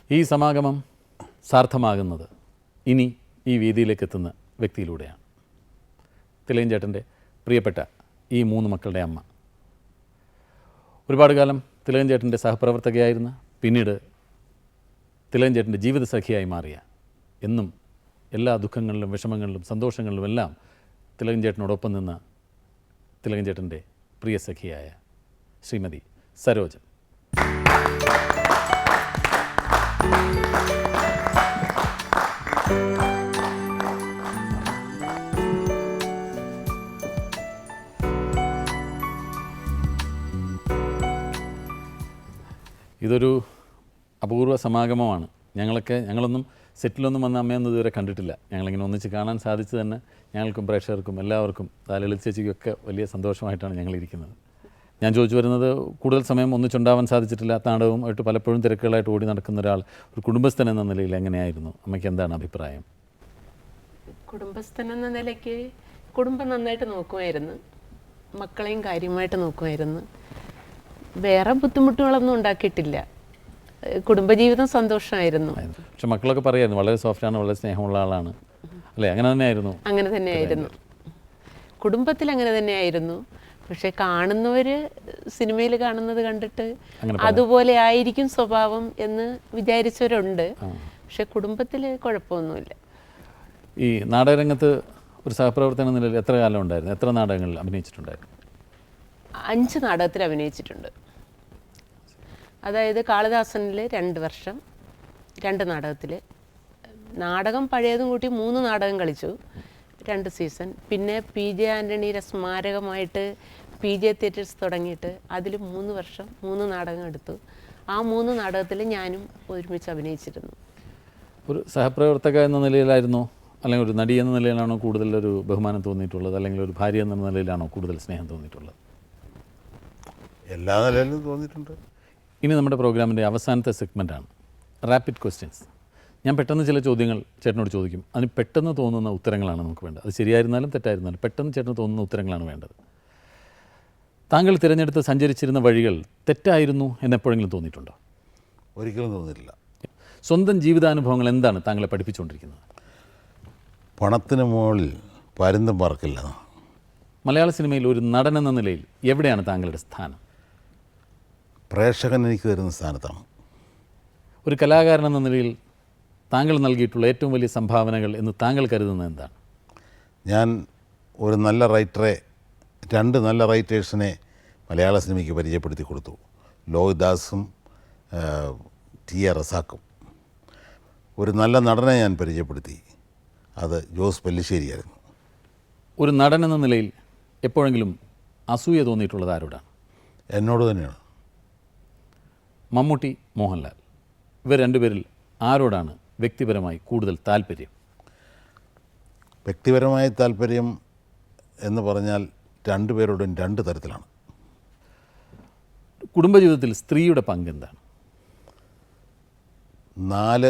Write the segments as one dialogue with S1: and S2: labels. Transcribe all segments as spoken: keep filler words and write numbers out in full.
S1: ഈ സമാഗമം സാർത്ഥമാകുന്നത് ഇനി ഈ വേദിയിലേക്ക് എത്തുന്ന വ്യക്തിയിലൂടെയാണ്. തിലകൻ ചേട്ടൻ്റെ പ്രിയപ്പെട്ട ഈ മൂന്ന് മക്കളുടെ അമ്മ, ഒരുപാട് കാലം തിലകൻ ചേട്ടൻ്റെ സഹപ്രവർത്തകയായിരുന്ന, പിന്നീട് തിലകൻ ചേട്ടൻ്റെ ജീവിതസഖിയായി മാറിയ, എന്നും എല്ലാ ദുഃഖങ്ങളിലും വിഷമങ്ങളിലും സന്തോഷങ്ങളിലും എല്ലാം തിലകൻ ചേട്ടനോടൊപ്പം നിന്ന തിലകൻ ചേട്ടൻ്റെ പ്രിയ സഖിയായ ശ്രീമതി സരോജ. ഇതൊരു അപൂർവ സമാഗമമാണ്. ഞങ്ങളൊക്കെ ഞങ്ങളൊന്നും സെറ്റിലൊന്നും വന്ന അമ്മയൊന്നും ഇതുവരെ കണ്ടിട്ടില്ല. ഞങ്ങളിങ്ങനെ ഒന്നിച്ച് കാണാൻ സാധിച്ചു തന്നെ ഞങ്ങൾക്കും പ്രേക്ഷകർക്കും എല്ലാവർക്കും ലളിത ചേച്ചിക്കൊക്കെ വലിയ സന്തോഷമായിട്ടാണ് ഞങ്ങളിരിക്കുന്നത്. ഞാൻ ചോദിച്ചു വരുന്നത്, കൂടുതൽ സമയം ഒന്നിച്ചുണ്ടാവാൻ സാധിച്ചിട്ടില്ല, നാടകവും ആയിട്ട് പലപ്പോഴും തിരക്കുകളായിട്ട് ഓടി നടക്കുന്ന ഒരാൾ, ഒരു കുടുംബസ്ഥൻ എന്ന നിലയിൽ എങ്ങനെയായിരുന്നു അമ്മയ്ക്ക്? എന്താണ് അഭിപ്രായം?
S2: കുടുംബസ്ഥൻ എന്ന നിലയ്ക്ക് കുടുംബം നന്നായിട്ട് നോക്കുമായിരുന്നു, മക്കളെയും കാര്യമായിട്ട് നോക്കുമായിരുന്നു. വേറെ ബുദ്ധിമുട്ടുകളൊന്നും ഉണ്ടാക്കിയിട്ടില്ല. കുടുംബജീവിതം സന്തോഷമായിരുന്നു.
S1: പക്ഷെ മക്കളൊക്കെ പറയായിരുന്നു വളരെ സോഫ്റ്റാണ്, വളരെ സ്നേഹമുള്ള ആളാണ് അല്ലേ? അങ്ങനെ തന്നെയായിരുന്നു.
S2: അങ്ങനെ തന്നെയായിരുന്നു, കുടുംബത്തിൽ അങ്ങനെ തന്നെയായിരുന്നു. പക്ഷെ കാണുന്നവർ സിനിമയിൽ കാണുന്നത് കണ്ടിട്ട് അതുപോലെ ആയിരിക്കും സ്വഭാവം എന്ന് വിചാരിച്ചവരുണ്ട്. പക്ഷെ കുടുംബത്തിൽ കുഴപ്പമൊന്നുമില്ല.
S1: ഈ നാടകരംഗത്ത് ഒരു സഹപ്രവർത്തന നിലയിൽ എത്ര കാലം ഉണ്ടായിരുന്നു? എത്ര നാടകങ്ങളിൽ അഭിനയിച്ചിട്ടുണ്ടായിരുന്നു?
S2: അഞ്ച് നാടകത്തിൽ അഭിനയിച്ചിട്ടുണ്ട്. അതായത് കാളിദാസനിൽ രണ്ട് വർഷം രണ്ട് നാടകത്തിൽ, നാടകം പഴയതും കൂട്ടി മൂന്ന് നാടകം കളിച്ചു, രണ്ട് സീസൺ. പിന്നെ പി ജെ ആൻ്റണിയുടെ സ്മാരകമായിട്ട് പി ജെ തിയേറ്റേഴ്സ് തുടങ്ങിയിട്ട് അതിൽ മൂന്ന് വർഷം മൂന്ന് നാടകം എടുത്തു. ആ മൂന്ന് നാടകത്തിൽ ഞാനും ഒരുമിച്ച് അഭിനയിച്ചിരുന്നു.
S1: ഒരു സഹപ്രവർത്തക എന്ന നിലയിലായിരുന്നോ, അല്ലെങ്കിൽ ഒരു നടി എന്ന നിലയിലാണോ കൂടുതൽ ഒരു ബഹുമാനം തോന്നിയിട്ടുള്ളത്, അല്ലെങ്കിൽ ഒരു ഭാര്യ എന്ന നിലയിലാണോ കൂടുതൽ സ്നേഹം തോന്നിയിട്ടുള്ളത്?
S3: എല്ലാ നിലയിലും തോന്നിയിട്ടുണ്ട്.
S1: ഇനി നമ്മുടെ പ്രോഗ്രാമിൻ്റെ അവസാനത്തെ സെഗ്മെൻറ്റാണ് റാപ്പിഡ് ക്വസ്റ്റ്യൻസ്. ഞാൻ പെട്ടെന്ന് ചില ചോദ്യങ്ങൾ ചേട്ടനോട് ചോദിക്കും, അതിന് പെട്ടെന്ന് തോന്നുന്ന ഉത്തരങ്ങളാണ് നമുക്ക് വേണ്ടത്. അത് ശരിയായിരുന്നാലും തെറ്റായിരുന്നാലും പെട്ടെന്ന് ചേട്ടന് തോന്നുന്ന ഉത്തരങ്ങളാണ് വേണ്ടത്. താങ്കൾ തിരഞ്ഞെടുത്ത് സഞ്ചരിച്ചിരുന്ന വഴികൾ തെറ്റായിരുന്നു എന്നെപ്പോഴെങ്കിലും തോന്നിയിട്ടുണ്ടോ?
S3: ഒരിക്കലും തോന്നിയിട്ടില്ല.
S1: സ്വന്തം ജീവിതാനുഭവങ്ങൾ എന്താണ് താങ്കളെ പഠിപ്പിച്ചുകൊണ്ടിരിക്കുന്നത്?
S3: പണത്തിന് മുകളിൽ പരുന്തും പറക്കില്ല.
S1: മലയാള സിനിമയിൽ ഒരു നടൻ എന്ന നിലയിൽ എവിടെയാണ് താങ്കളുടെ സ്ഥാനം?
S3: പ്രേക്ഷകൻ എനിക്ക് തരുന്ന സ്ഥാനത്താണ്.
S1: ഒരു കലാകാരൻ എന്ന നിലയിൽ താങ്കൾ നൽകിയിട്ടുള്ള ഏറ്റവും വലിയ സംഭാവനകൾ എന്ന് താങ്കൾ കരുതുന്നത് എന്താണ്?
S3: ഞാൻ ഒരു നല്ല റൈറ്ററെ, രണ്ട് നല്ല റൈറ്റേഴ്സിനെ മലയാള സിനിമയ്ക്ക് പരിചയപ്പെടുത്തി കൊടുത്തു. ലോഹിദാസും ടി എ റസാക്കും. ഒരു നല്ല നടനെ ഞാൻ പരിചയപ്പെടുത്തി, അത് ജോസ് പെല്ലിശ്ശേരിയായിരുന്നു.
S1: ഒരു നടൻ എന്ന നിലയിൽ എപ്പോഴെങ്കിലും അസൂയ തോന്നിയിട്ടുള്ളത് ആരോടാണ്?
S3: എന്നോട് തന്നെയാണ്.
S1: മമ്മൂട്ടി, മോഹൻലാൽ, ഇവർ രണ്ടുപേരിൽ ആരോടാണ് വ്യക്തിപരമായി കൂടുതൽ താല്പര്യം?
S3: വ്യക്തിപരമായ താല്പര്യം എന്ന് പറഞ്ഞാൽ രണ്ടുപേരോടും രണ്ട് തരത്തിലാണ്.
S1: കുടുംബജീവിതത്തിൽ സ്ത്രീയുടെ പങ്ക് എന്താണ്?
S3: നാല്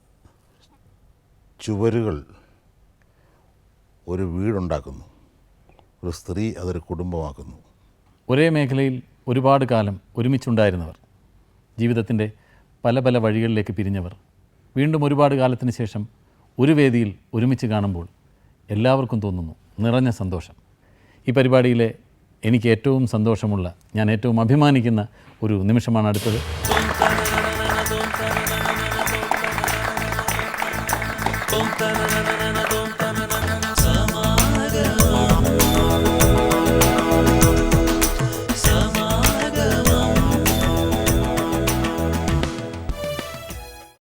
S3: ചുവരുകൾ ഒരു വീടുണ്ടാക്കുന്നു, ഒരു സ്ത്രീ അതൊരു കുടുംബമാക്കുന്നു.
S1: ഒരേ മേഖലയിൽ ഒരുപാട് കാലം ഒരുമിച്ചുണ്ടായിരുന്നവർ, ജീവിതത്തിൻ്റെ പല പല വഴികളിലേക്ക് പിരിഞ്ഞവർ, വീണ്ടും ഒരുപാട് കാലത്തിന് ശേഷം ഒരു വേദിയിൽ ഒരുമിച്ച് കാണുമ്പോൾ എല്ലാവർക്കും തോന്നുന്നു നിറഞ്ഞ സന്തോഷം. ഈ പരിപാടിയിലെ എനിക്ക് ഏറ്റവും സന്തോഷമുള്ള, ഞാൻ ഏറ്റവും അഭിമാനിക്കുന്ന ഒരു നിമിഷമാണ് അടുത്തത്.
S4: Boom,